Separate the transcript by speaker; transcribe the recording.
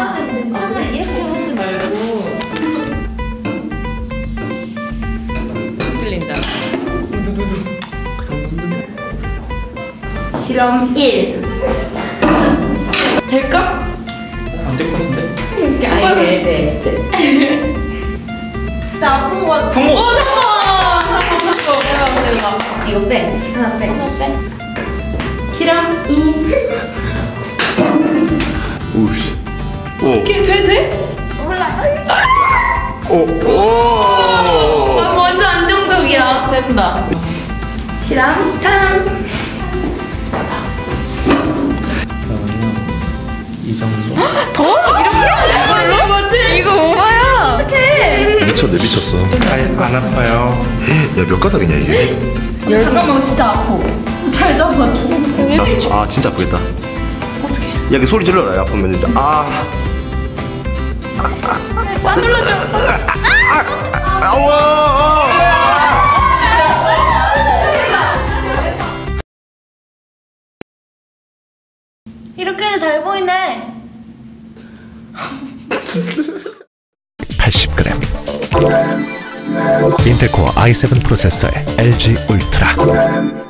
Speaker 1: 하나 이렇게 하지 말고. 들린다. 두두두. 실험 1. 될까?
Speaker 2: 안 될 것 같은데?
Speaker 1: 이렇게 아예 돼. 나 아픈 거 같아.
Speaker 2: 성공!
Speaker 1: 성공! 이거 빼. 하나 빼. 실험 2.
Speaker 3: 오우씨. 오.
Speaker 1: 이게 돼? 몰라.
Speaker 3: 오.
Speaker 1: 아, 완전 안정적이야. 된다. 실험 3.
Speaker 2: 그러면 이 정도?
Speaker 1: 더? 이렇게? 이거 오바야. 어떡해.
Speaker 3: 미쳤어.
Speaker 2: 안 아파요.
Speaker 3: 야, 몇 가닥이냐 이게?
Speaker 1: 잠깐만, 진짜 아파. 잘 잡아줘.
Speaker 3: 아, 진짜 아프겠다.
Speaker 1: 어떡해.
Speaker 3: 야, 그 소리 질러라. 아프면 진짜. 아.
Speaker 1: 꽉 눌러줘.
Speaker 3: 아우.
Speaker 1: 이렇게는 잘 보이네.
Speaker 4: 80g 인텔 코어 i7 프로세서의 LG 울트라